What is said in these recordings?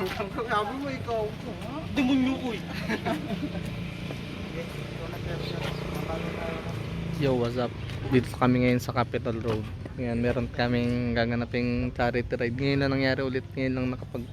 Sabi mo ikaw. Demonyo ko eh. Yo, what's up? Dito kami ngayon sa Capitol Road. Ngayon, meron kaming gaganaping charity ride. Ngayon lang nangyari ulit. Ngayon lang nakapag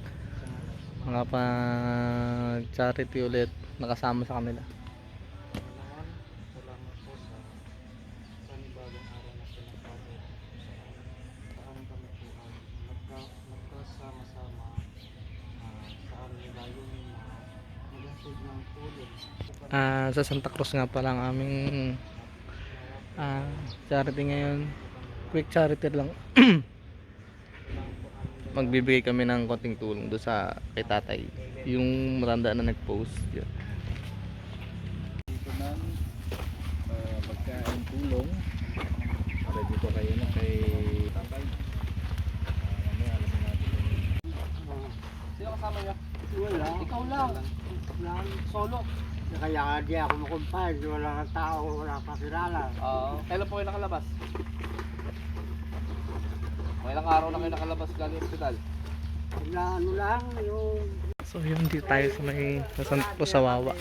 charity ulit. Nakasama sa kanila. Salamat po sa panibagong araw na pinagpapalala sa amin kami po magkasama-sama sa aming layunin na maghatid ng tulong. Sa Santa Cruz nga pala ang aming charity ngayon. Quick charity lang. Magbibigay kami ng konting tulong doon sa kay tatay, yung matanda na nag-post yun. Dito ng pagkain tulong para dito kayo na kay tatay. Mamaya alam natin. Sino kasama niya? Wala. Ikaw lang. Lang. Solo. Kaya nga di ako makumpay. Wala kang tao, wala kang kilala. Kailan po kayo nakalabas? Ilang araw na kayo nakalabas galing hospital? Na ano lang, yung... So yun, dito tayo sa may sa Sawawa.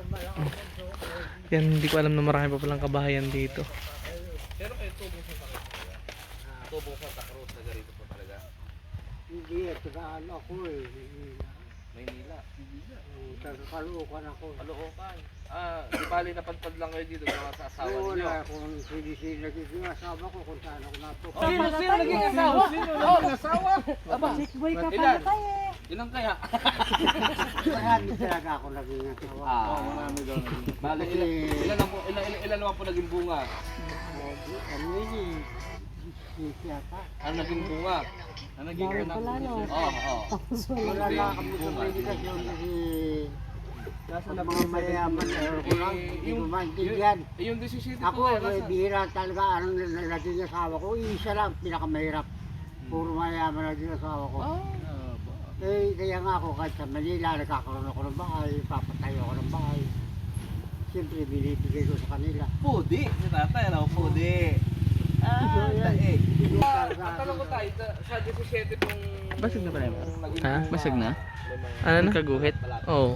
Yan, hindi ko alam na marami pa palang kabahayan dito. Pero kayo tubong sa Santa Cruz? Tubong sa Santa Cruz, taga rito po talaga? Hindi, tagaan ako eh. Maynila? Taga-Caloocan ako. Caloocan? Di bali napadpad lang kayo dito mga sa asawa Oo, ninyo? wala kung sino naging asawa ko kung saan ako napupunta. Sino naging asawa? Naging asawa? Aba, Chickboy ka ilan? pala tayo eh. Ilan kaya? Marami talaga ako naging asawa. Marami daw naging. Bali, ilan naman po naging bunga? Ano yun eh? Siyata. Ano naging bunga? Ano naging Bawal bunga? pala, no? Oo. Wala na kami sa medikasyon kasi... Sa mga mayayaman na ko lang, hindi ko maintindihan. Yung 17 Ako, bihira talaga, anong naging asawa ko, isa lang, pinakamahirap. Puro mayaman naging asawa ko. Kaya nga ako, kahit sa Manila, nagkakaroon ako ng bahay, papatayo ako ng bahay. Siyempre, binibigay ko sa kanila. Pudi, si tatay, ano? Pudi. Daig. Tanong ko tayo, sa 17 pong... Basag na ba yan? Ha? Basag na? Ano na? Kaguhit? Oo.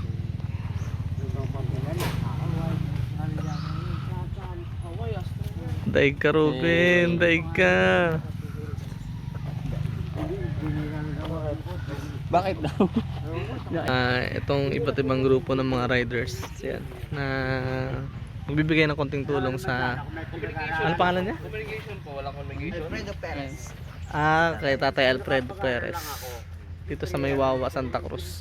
Daig ka, Ruben. Daig ka. Bakit daw? Itong iba't ibang grupo ng mga riders yan, na magbibigay ng konting tulong sa... Ano pangalan niya? Communication po, walang communication. Kay Tatay Alfredo Perez. Dito sa Maywawa, Santa Cruz.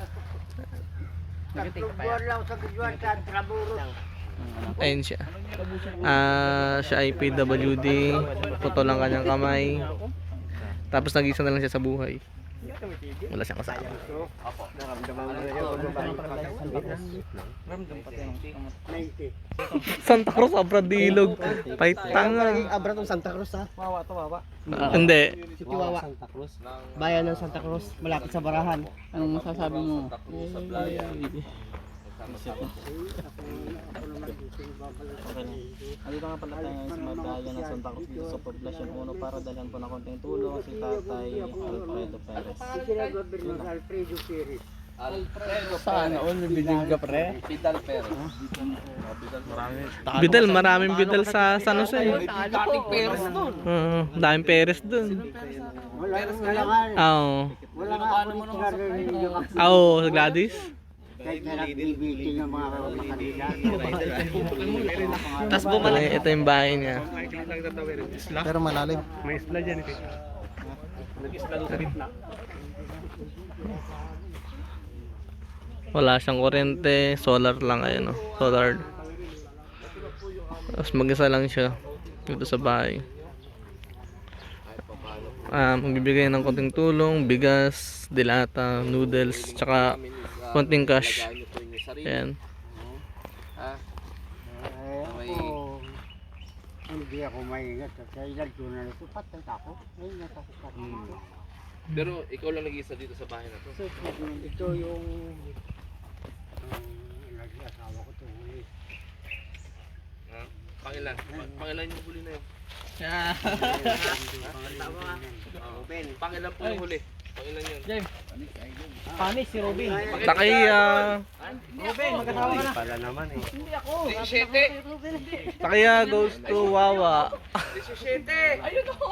Buwan lang sa Bijuan, sa Traburo. Ayun siya. Siya ay PWD. Puto lang kanyang kamay. Tapos nag-isa na lang siya sa buhay. Wala siyang kasama. Santa Cruz, Abradilog. Paitanga. Abra tong Santa Cruz ha? Wawa to, wawa. Hindi. Si Tiwawa. Santa Cruz. Bayan ng Santa Cruz, malapit sa Barahan. Anong masasabi mo? Andito nga pala tayo sa Magdaya ng Santa Cruz dito sa poblasyon 1 para dalhan po ng konting tulong si Tatay Alfredo Perez. Sinagobernador Alfredo Perez. Alfredo Saan? All may bilig ka pre? Pidal Perez. Bidal, maraming bidal sa San Jose. Dating Perez doon. Daming Perez dun. Wala nga. Oo. Wala nga ako nito na Oo, sa Gladys. kahit na nag-meeting ng mga kanila. Tapos bumalik. Ito yung bahay niya. Pero malalim. Wala siyang kuryente, solar lang, ayun, solar. Tapos mag-isa lang siya dito sa bahay. Magbibigay ng konting tulong, bigas, dilata, noodles, tsaka konting cash. Ayan. Hindi ako maingat. Sa ilan ko na ito, patay ako. Maingat ako sa Pero ikaw lang nag-iisa dito sa bahay na to. So, ito yung nag-asawa ko ito. Pangilan? Pangilan yung huli na yun? Pangilan po yung huli? Pangilan yun? James. Panis si Robin. Takiya. Robin, magkatawa ka na. Pala naman eh. 17! Takiya goes to Wawa. 17! Ayun o!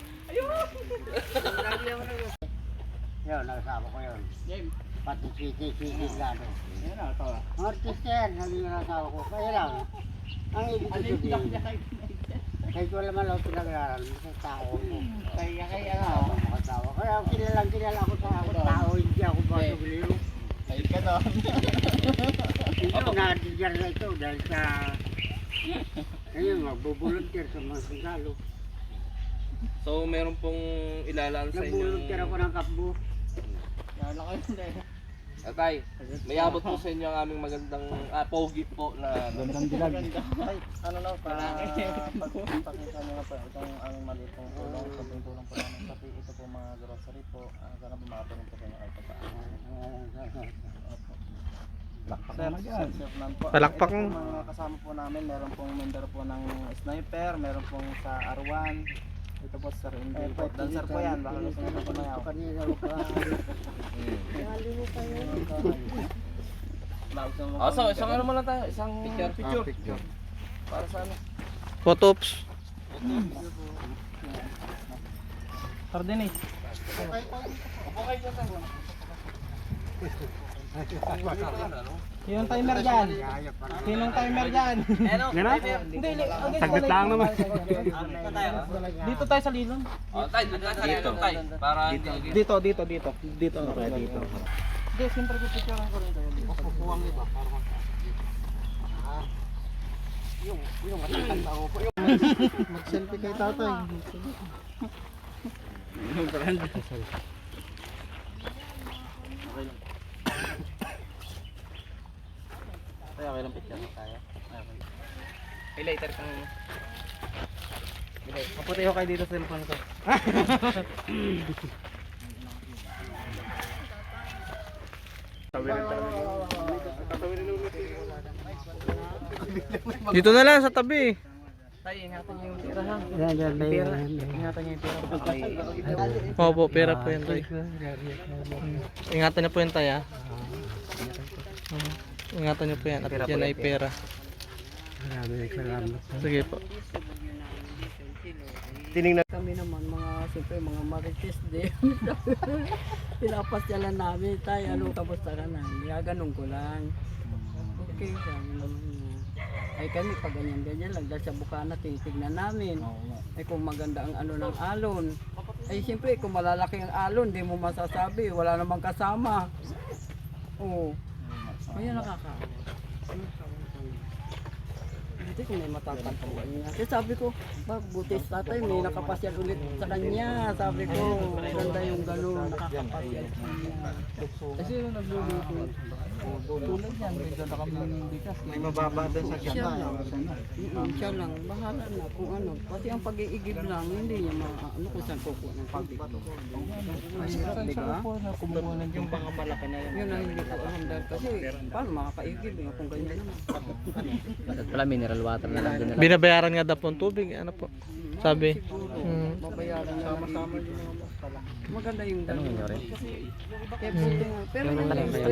Yun, nakasama ko yun. James. Pati sisi lalo. Ang artista yan, sabi nga nakasama ko. Kaya lang, ang ibig ko sabihin, kahit wala man ako pinag-aaral, sa tao ko. Kaya ano, mga tao. Kaya kilala ako sa tao, hindi ako basubiliro. Ay ka doon. Ito, na-adjust na ito dahil sa, ayun, magbubuluntir sa mga sundalo. So, meron pong ilalaan sa inyong... Nagbuluntir ako ng kapbo. Yala kayo hindi. Atay, may abot po sa inyo ang aming magandang pogi po na... Gandang dilag. Ay, ano na, pakita nyo na po itong aming maliit pong tulong. Sabihin tulong po namin. Pati ito po mga grocery po. Sana po makatulong po sa inyo kahit pa paano. Sir Nan po. Palakpak Ito mo. po mga kasama po namin. Meron pong member po ng sniper. Meron pong sa R1. Ito po Sir Indy po. Dancer po yan. Baka gusto nyo po mayaw. Kanina ko pa. So, isang ano mo lang tayo, isang picture. Para sa ano? Photops. Cardenis. Yung timer dyan. Sinong timer dyan? Hindi, saglit lang naman. Dito tayo sa lilon. Oh, tayo, dito tayo. Para Dito. Dito. Okay, dito. Hindi, siyempre pipicturean ko rin kayo. Kukuwang iba. Yung matatanda ko po. Mag-selfie kay tatay. Okay lang. Tayo, okay lang picture tayo. Okay. Ay, later kang... Maputi ko kayo dito sa cellphone ko. Dito na lang sa tabi. Tayo, ingatan niyo yung tira ha. Yan, Pera. Ingatan niyo yung tira. Opo, pera po yan tayo. Ingatan niyo po yan tayo. Ingatan niyo po yan. At yan ay pera. Maraming salamat. Sige po. Kami naman siyempre mga marites din. Pinapasyalan namin, tayo ano, kamusta ka na? Ganun ko lang. Okay, sabi naman niya. Ay kami pag ganyan lang, dahil sa bukana titignan namin. Ay kung maganda ang ano ng alon. Ay siyempre kung malalaki ang alon, di mo masasabi, wala namang kasama. Oo. Kaya nakakawa. Buti kung may matatagpuan niya. Kasi sabi ko, buti sa tatay, may nakapasyal ulit sa kanya. Sabi ko, maganda yung gano'n, nakakapasyal sa kanya. Kasi yung nagluluto, tulad yan, may dala kami ng bigas. May mababa din sa Siya lang. Siya lang, bahala na kung ano. Pati ang pag-iigib lang, hindi niya ano kung saan kukuha ng tubig. Mahirap, di ba? Yung mga malaki na yun. Yun ang hindi ko alam dahil kasi paano makakaigib kung ganyan naman. Wala mineral water na lang din. Binabayaran nga daw po ang tubig. Ano po? Sabi. Babayaran niya sama-sama din naman pala. Maganda yung dalawa. Kaya buti nga. Pero yung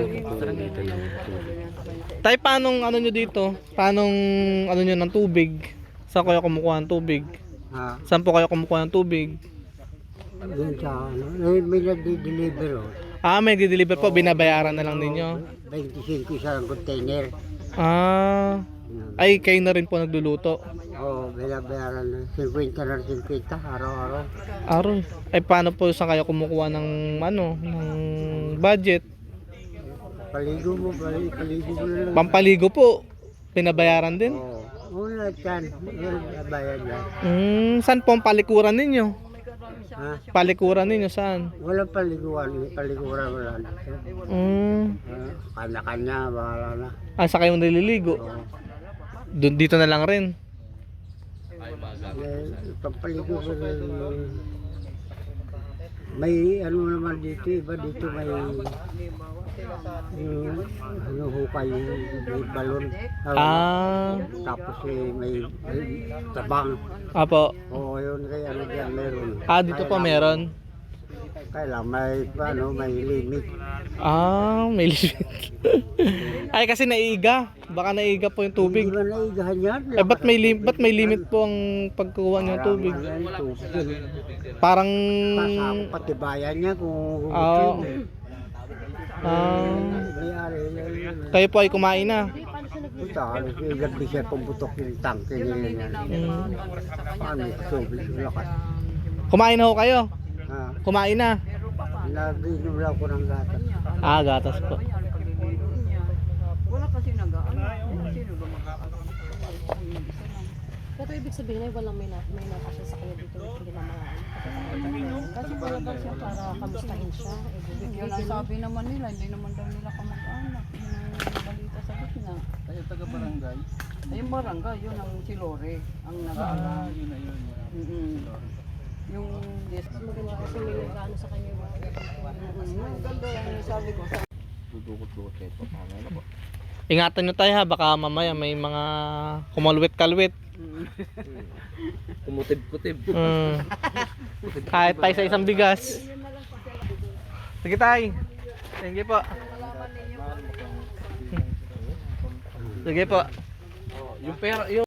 Tay, paanong ano nyo dito? Paanong ano nyo ng tubig? Saan kayo kumukuha ng tubig? Ha? Saan po kayo kumukuha ng tubig? Doon sa ano, may nag-deliver oh. Ah, may di-deliver po. Binabayaran na lang ninyo. 25 isang container. Ah, ay kayo na rin po nagluluto. Oo, binabayaran na. 50 na 50 araw-araw. Aron. Ay paano po saan kayo kumukuha ng ano, ng budget? Paligo mo na lang. Pampaligo po. Binabayaran din. Oo. Oo, lahat yan. Yan, bayad yan. Saan po ang palikuran ninyo? Ha? Palikuran ninyo saan? Walang paliguan. Paliguran wala dito. Kanya-kanya, bahala na. Ah, sa kayo naliligo? Oo. Dito na lang rin. Pampaligo ko rin. May ano naman dito, iba dito may ano hukay yung balon. Tapos may tabang. Apo. Oo, yun kaya ano dyan meron. Ah, dito po meron. Kailang may limit. May limit. Ay, kasi naiiga. Baka naiiga po yung tubig. Hindi ba naigahan yan? Ba't may limit po ang pagkuha niyo ng tubig? Parang... Pasako patibayan niya kung Ah. Kayo po ay kumain na. Punta, gabi siya pumputok yung tangke niya. Paano yung tubig? Lakas. Kumain na ho kayo? Ha? Kumain na? Naginom lang ko ng gatas. Gatas po. Wala kasi nag-ano. Sino ba mag-ano? Pero ibig sabihin ay walang may napasya sa kanya dito hindi na mga kasi wala ba siya para kamustahin siya. Yun ang sabi naman nila, hindi naman daw nila kamag-anak. Yun ang balita sa gitna. Kayo taga-barangay? Ay, yung barangay, yun ang si Lore, ang nag-aalam. Yun na yun. Yung yes. Maganda kasi may nag-ano sa kanya. Maganda lang yung sabi ko. Dudukot-dukot kayo po. Mamaya na po. Ingatan nyo tayo ha, baka mamaya may mga kumalwit-kalwit. Kumutib-kutib. Kahit tayo sa isang bigas. Sige tay. Thank you po. Sige po. Yung pera, yung